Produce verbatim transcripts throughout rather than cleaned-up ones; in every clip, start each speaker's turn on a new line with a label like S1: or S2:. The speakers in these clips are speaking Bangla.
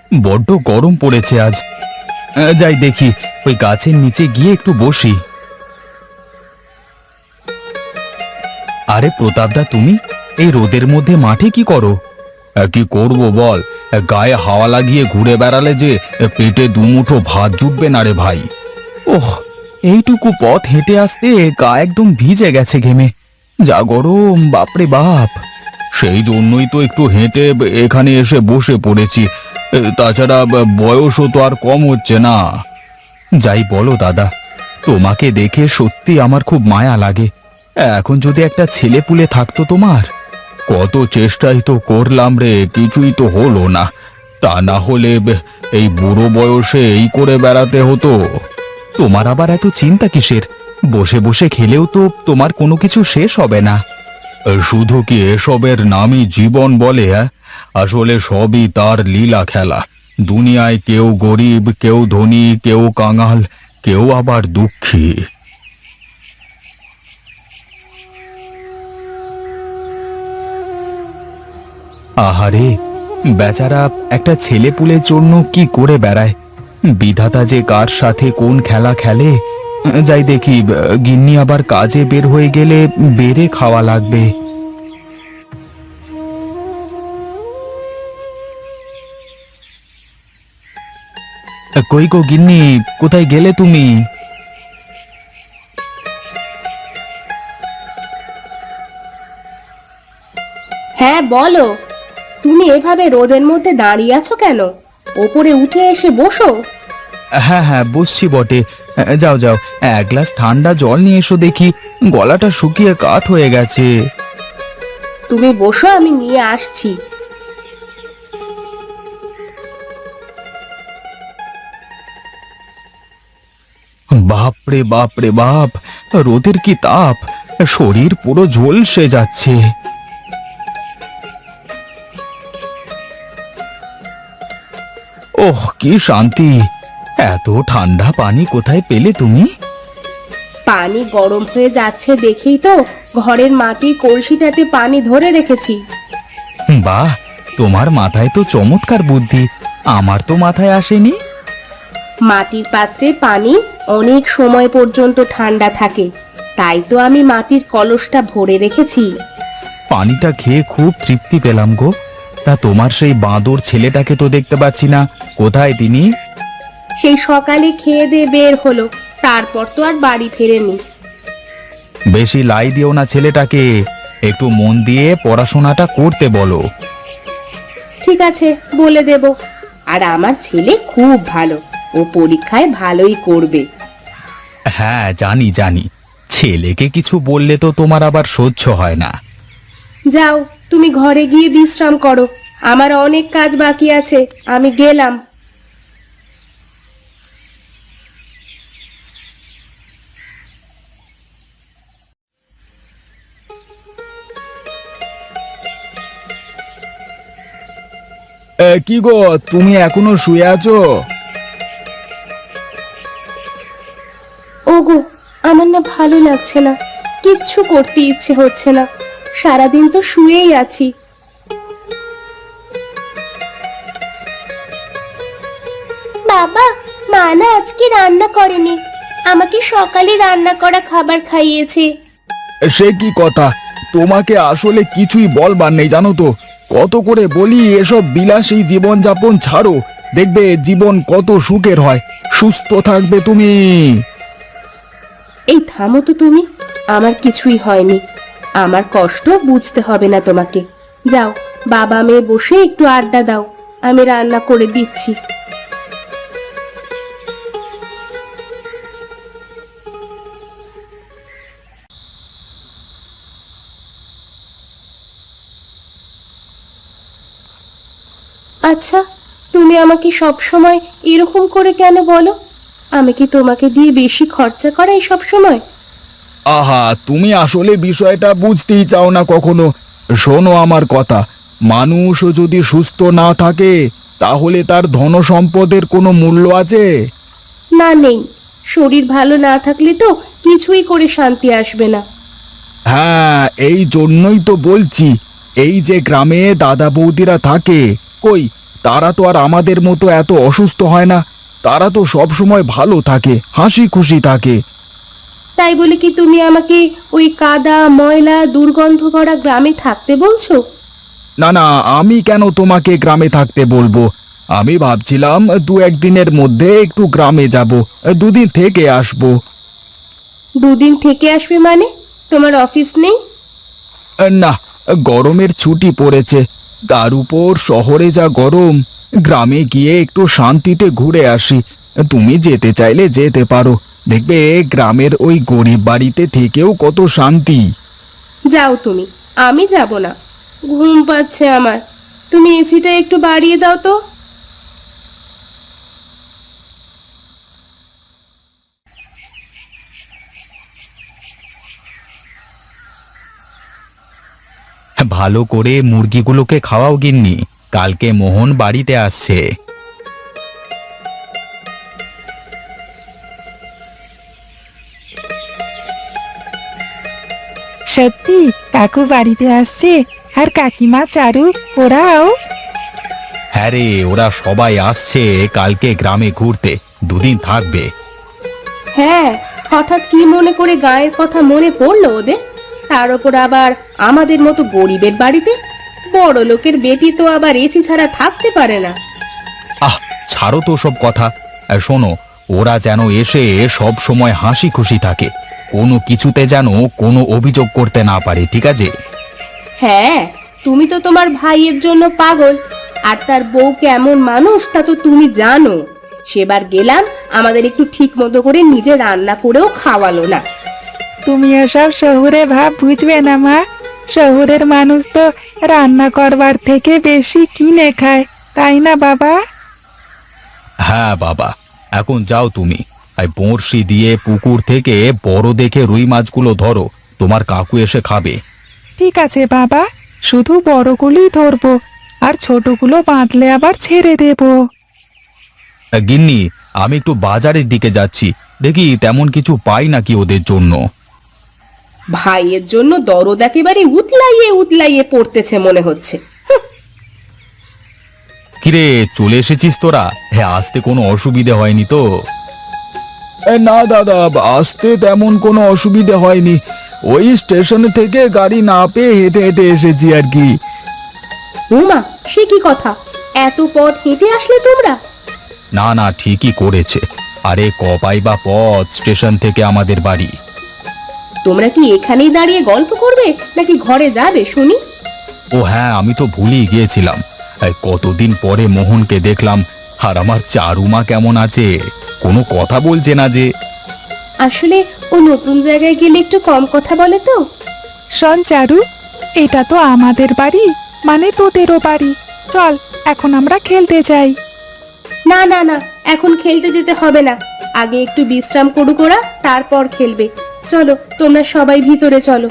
S1: বড্ড গরম পড়েছে আজ। আহ, যাই দেখি, ওই গাছের নিচে গিয়ে একটু বসি। আরে প্রতাপদা, তুমি এই রোদের মধ্যে মাঠে কি করো? আহ, কি করব বল, আহ, গায়ে হাওয়া লাগিয়ে ঘুরে বেড়ালে যে আহ, পেটে দুমুঠো ভাত জুটবে না রে ভাই। ওহ, এইটুকু পথ হেঁটে আসতে গা একদম ভিজে গেছে ঘেমে। যা গরম, বাপরে বাপ! সেই জন্যই তো একটু হেঁটে ব- এখানে এসে বসে পড়েছি। এ, তাছাড়া ব- বয়সও তো আর কম হচ্ছে না। যাই বলো দাদা, তোমাকে দেখে সত্যি আমার খুব মায়া লাগে। এখন যদি একটা ছেলে পুলে থাকতো তোমার। কত চেষ্টাই তো করলাম রে, কিছুই তো হলো না। তা না হলে ব- এই বুড়ো বয়সে এই করে বেড়াতে হতো। তোমার আবার এত চিন্তা কিসের? বসে বসে খেলেও তো তোমার কোনো কিছু শেষ হবে না। শুধু কি এসবের নামই জীবন বলে? হ্যাঁ, আসলে সবই তার লীলা খেলা। দুনিয়ায় কেউ গরিব, কেউ ধনী, কেউ কাঙাল, কেউ আবার দুঃখী। আহারে, বেচারা একটা ছেলেপুলের জন্য কি করে বেড়ায়। বিধাতা যে কার সাথে কোন খেলা খেলে। যাই দেখি, গিন্নি আবার কাজে বের হয়ে গেলে বেড়ে খাওয়া লাগবে। কই গো গিন্নি, কোথায় গেলে তুমি?
S2: হ্যাঁ বলো। তুমি এভাবে রোদের মধ্যে দাঁড়িয়ে আছো কেন? ওপরে উঠে এসে বসো।
S1: হ্যাঁ হ্যাঁ, বসছি বটে। যাও যাও, এক গ্লাস ঠান্ডা জল নিয়ে এসো দেখি, গলাটা শুকিয়ে কাঠ হয়ে গেছে।
S2: তুমি বসো, আমি নিয়ে আসছি।
S1: বাপরে বাপরে বাপ, রোদের কি তাপ! শরীর পুরো ঝলসে যাচ্ছে। ওহ, কি শান্তি! এত ঠান্ডা পানি কোথায় পেলে তুমি?
S2: পানি গরম হয়ে যাচ্ছে দেখেই তো ঘরের মাটির কলসিটাতে পানি ধরে রেখেছি।
S1: বাহ, তোমার মাথায় তো চমৎকার বুদ্ধি, আমার তো মাথায় আসেনি।
S2: মাটির পাত্রে পানি অনেক সময় পর্যন্ত ঠান্ডা থাকে, তাই তো আমি মাটির কলসটা ভরে রেখেছি।
S1: পানিটা খেয়ে খুব তৃপ্তি পেলাম গো। তা তোমার সেই বাঁদর ছেলেটাকে তো দেখতে পাচ্ছি না, কোথায় তিনি?
S2: সেই সকালে খেয়ে দিয়ে বের হলো, তারপর তো আর বাড়ি ফেরেনি।
S1: বেশি লাই দিও না ছেলেটাকে, একটু মন দিয়ে পড়াশোনাটা করতে বলো।
S2: ঠিক আছে, বলে দেব। আর আমার ছেলে খুব ভালো, ও পরীক্ষায় ভালোই করবে।
S1: হ্যাঁ, জানি জানি, ছেলেকে কিছু বললে তো তোমার আবার সহ্য হয় না।
S2: যাও, তুমি ঘরে গিয়ে বিশ্রাম করো, আমার অনেক কাজ বাকি আছে, আমি গেলাম।
S1: এ, কি গো, তুমি এখনো শুয়ে আছো?
S2: ওগো, আমার না ভালো লাগছে না, কিচ্ছু করতে ইচ্ছে হচ্ছে না, সারাদিন তো শুয়েই আছি। বাবা, মা না আজকে রান্না করেনি, আমাকে সকালে রান্না করা খাবার খাইয়েছে।
S1: সে কি কথা, তোমাকে আসলে কিছুই বলবার নেই জানো তো। কত করে বলি এসব বিলাসী জীবনযাপন ছাড়ো, দেখবে জীবন কত সুখের হয়। সুস্থ থাকবে তুমি।
S2: এই থামো তো তুমি, আমার কিছুই হয়নি, আমার কষ্ট বুঝতে হবে না তোমাকে। যাও, বাবা মেয়ে বসে একটু আড্ডা দাও, আমি রান্না করে দিচ্ছি। আচ্ছা, তুমি আমাকে সব সময় এরকম করে কেন বলো? আমি কি তোমাকে দিয়ে বেশি খরচা করাই সব সময়?
S1: আহা, তুমি আসলে বিষয়টা বুঝতেই চাও না কখনো। শোনো আমার কথা, মানুষ যদি সুস্থ না থাকে তাহলে তার ধন সম্পদের কোনো মূল্য আছে?
S2: না, নেই। শরীর ভালো না থাকলে তো কিছুই করে শান্তি আসবে না।
S1: হ্যাঁ, এই জন্যই তো বলছি, এই যে গ্রামে দাদা বৌদিরা থাকে, কই তারা তো আর আমাদের মতো এত অসুস্থ হয় না। তারা তো সব সময় ভালো থাকে, হাসি খুশি থাকে।
S2: তাই বলে কি তুমি আমাকে ওই কাদা ময়লা দুর্গন্ধ ভরা গ্রামে থাকতে বলছো?
S1: না না, আমি কেন তোমাকে গ্রামে থাকতে বলবো? আমি ভাবছিলাম দু একদিনের মধ্যে একটু গ্রামে যাব, দুদিন থেকে আসবো।
S2: দুদিন থেকে আসবে মানে? তোমার অফিস নেই?
S1: না, গরমের ছুটি পড়েছে। তার উপর শহরে যা গরম, গ্রামে গিয়ে একটু শান্তিতে ঘুরে আসি। তুমি যেতে চাইলে যেতে পারো, দেখবে গ্রামের ওই গরিব বাড়িতে থেকেও কত শান্তি।
S2: যাও তুমি, আমি যাব না। ঘুম পাচ্ছে আমার। তুমি এসিটা একটু বাড়িয়ে দাও তো।
S1: ভালো করে মুরগিগুলোকে খাওয়াও গিন্নি, কালকে মোহন বাড়িতে আসছে।
S3: সত্যি কাকু বাড়িতে আসছে? আর কাকিমা চারু ওরাও?
S1: হ্যাঁ রে, ওরা সবাই আসছে কালকে গ্রামে ঘুরতে, দুদিন থাকবে।
S2: হ্যাঁ, হঠাৎ কি মনে করে গায়ের কথা মনে পড়লো ওদের? তার উপর আবার আমাদের মতো গরিবের বাড়িতে। বড় লোকের বেটি তো আবার এসি ছাড়া থাকতে পারে না।
S1: আহ, ছাড়ো তো সব কথা। আর শোনো, ওরা যেন এসে সব সময় হাসি খুশি থাকে, কোনো কিছুতে যেন কোনো অভিযোগ করতে না পারে, ঠিক আছে?
S2: হ্যাঁ, তুমি তো তোমার ভাইয়ের জন্য পাগল। আর তার বউ কেমন মানুষ তা তো তুমি জানো। সেবার গেলাম, আমাদের একটু ঠিক মতো করে নিজে রান্না করেও খাওয়ালো না।
S3: তুমি এসব শহুরে ভাব বুঝবে না মা। শহুরের মানুষ তো রান্না করবার থেকে বেশি কিনে খায়, তাই না বাবা?
S1: হ্যাঁ বাবা, এখন যাও তুমি। আর বড়শি দিয়ে পুকুর থেকে বড় দেখে রুই মাছগুলো ধরো, তোমার কাকু এসে খাবে।
S3: ঠিক আছে বাবা, শুধু বড়গুলোই ধরবো, আর ছোটগুলো বাঁধলে আবার ছেড়ে দেবো।
S1: আহ, গিন্নি, আমি একটু বাজারের দিকে যাচ্ছি, দেখি তেমন কিছু পাই নাকি ওদের জন্য।
S2: ভাইয়ের জন্য দরদ একেবারে উতলাইয়ে উতলাইয়ে পড়তেছে মনে হচ্ছে।
S1: কিরে, চলে এসেছিস তোরা? হ্যাঁ, আসতে কোনো অসুবিধে হয়নি তো? না দাদা, আসতে তেমন কোনো অসুবিধে হয়নি। ওই স্টেশন থেকে গাড়ি না পেয়ে হেঁটে হেঁটে এসেছি আর কি।
S2: উমা, সে কি কথা! এত পথ হেঁটে আসলে তোমরা?
S1: না না, ঠিকই করেছে। আরে কপাই বা পথ স্টেশন থেকে আমাদের বাড়ি।
S2: তোমরা কি এখানেই দাঁড়িয়ে গল্প করবে নাকি ঘরে যাবে শুনি?
S1: ও হ্যাঁ, আমি তো ভুলেই গিয়েছিলাম। এই কতদিন পরে মোহনকে দেখলাম। আর আমার চারুমা কেমন আছে? কোনো কথা বলছে না যে।
S2: আসলে ও নতুন জায়গায় গেলে একটু কম কথা বলে তো।
S3: শোন চারু, এটা তো আমাদের বাড়ি, মানে তোদেরও বাড়ি। চল এখন আমরা খেলতে যাই।
S2: না না না, এখন খেলতে যেতে হবে না। আগে একটু বিশ্রাম করুক ওরা, তারপর খেলবে। চলো, তোমরা সবাই ভিতরে চলো।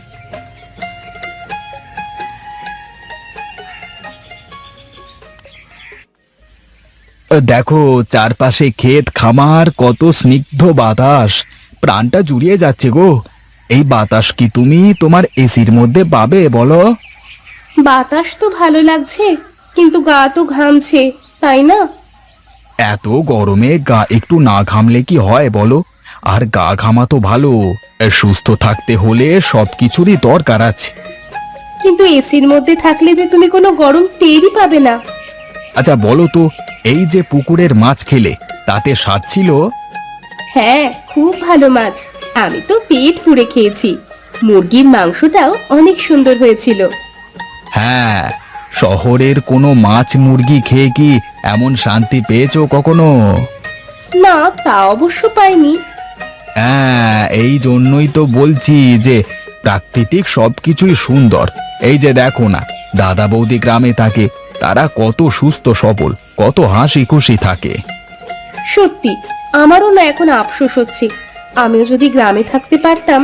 S1: দেখো, চারপাশে ক্ষেত খামার, কত স্নিগ্ধ বাতাস, প্রাণটা জুড়িয়ে যাচ্ছে গো। এই বাতাস কি তুমি তোমার এসির মধ্যে পাবে বলো?
S2: বাতাস তো ভালো লাগছে, কিন্তু গা তো ঘামছে, তাই না?
S1: এত গরমে গা একটু না ঘামলে কি হয় বলো? আর গা ঘামা তো ভালো, সুস্থ থাকতে হলে সবকিছুরই দরকার আছে।
S2: কিন্তু এসির মধ্যে থাকলে যে তুমি কোনো গরম টেরই পাবে না।
S1: আচ্ছা বলো তো, এই যে পুকুরের মাছ খেলে, তাতে স্বাদ ছিল?
S2: হ্যাঁ, খুব ভালো মাছ। আমি তো পেট পুড়ে খেয়েছি। মুরগির মাংসটাও অনেক সুন্দর হয়েছিল।
S1: হ্যাঁ, শহরের কোনো মাছ মুরগি খেয়ে কি এমন শান্তি পেয়েছো কখনো?
S2: না, তা অবশ্য পাইনি।
S1: হ্যাঁ, এই জন্যই তো বলছি যে প্রাকৃতিক সবকিছুই সুন্দর। এই যে দেখো না, দাদা বৌদি গ্রামে থাকে, তারা কত সুস্থ সবল, কত হাসি খুশি থাকে।
S2: সত্যি, আমারও না এখন আফসোস হচ্ছে। আমিও যদি গ্রামে থাকতে পারতাম।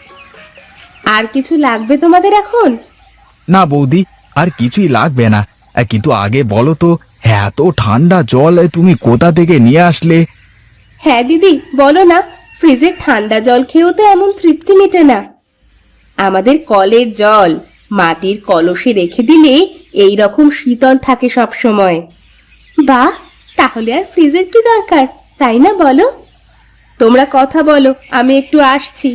S2: আর কিছু লাগবে তোমাদের এখন?
S1: না বৌদি, আর কিছুই লাগবে না। আহ, কিন্তু আগে বলো তো, এত ঠান্ডা জল তুমি কোথা থেকে নিয়ে আসলে?
S2: হ্যাঁ দিদি, বলো না, ফ্রিজের ঠান্ডা জল খেয়েও তো এমন তৃপ্তি মেটে না। আমাদের কলের জল মাটির কলসে রেখে দিলে এই রকম শীতল থাকে সব সময়। বাহ, তাহলে আর ফ্রিজের কি দরকার, তাই না বলো? তোমরা কথা বলো, আমি একটু আসছি।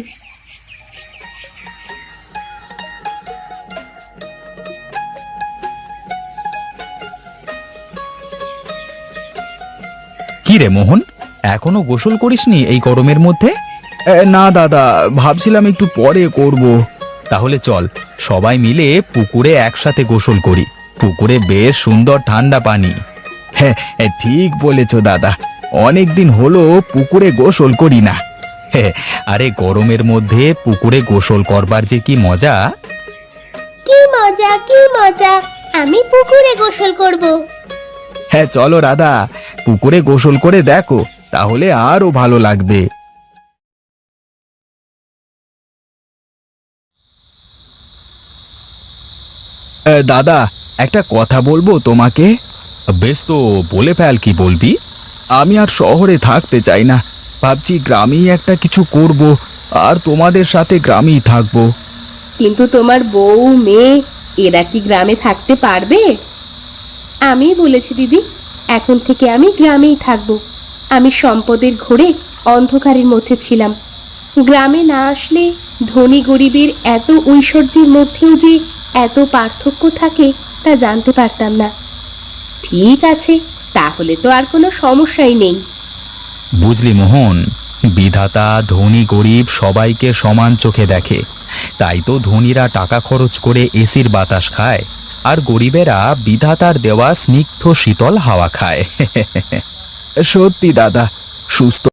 S1: কি রে মোহন, এখনো গোসল করিসনি এই গরমের মধ্যে? এ, না দাদা, ভাবছিলাম একটু পরে করব। তাহলে চল সবাই মিলে পুকুরে একসাথে গোসল করি। পুকুরে বেশ সুন্দর ঠান্ডা পানি। হ্যাঁ, ঠিক বলেছ দাদা, অনেক দিন হলো পুকুরে গোসল করি না। হ্যাঁ, আরে গরমের মধ্যে পুকুরে গোসল করবার যে কি মজা!
S2: কি মজা, কি মজা, আমি পুকুরে গোসল করব।
S1: হ্যাঁ চলো রাধা, পুকুরে গোসল করে দেখো, তাহলে আরো ভালো লাগবে। এ, দাদা, একটা কথা বলবো তোমাকে। বেশ তো, বলে ফেল, কি বলবি? আমি আর শহরে থাকতে চাই না, ভাবছি গ্রামেই একটা কিছু করব, আর তোমাদের সাথে গ্রামেই থাকবো।
S2: কিন্তু তোমার বউ মেয়ে এরা কি গ্রামে থাকতে পারবে? আমি বলেছি দিদি, এখন থেকে আমি গ্রামেই থাকবো। আমি সম্পদের ঘোরে অন্ধকারের মধ্যে ছিলাম। গ্রামে না আসলে ধনী গরিবের এত ঐশ্বর্যের মধ্যেও যে এত পার্থক্য থাকে তা জানতে পারতাম না। ঠিক আছে, তাহলে তো আর কোনো সমস্যাই নেই।
S1: বুঝলি মোহন, বিধাতা ধনী গরিব সবাইকে সমান চোখে দেখে। তাই তো ধনীরা টাকা খরচ করে এসির বাতাস খায়, আর গরিবেরা বিধাতার দেওয়া স্নিগ্ধ শীতল হাওয়া খায়। সত্যি দাদা, সুস্থ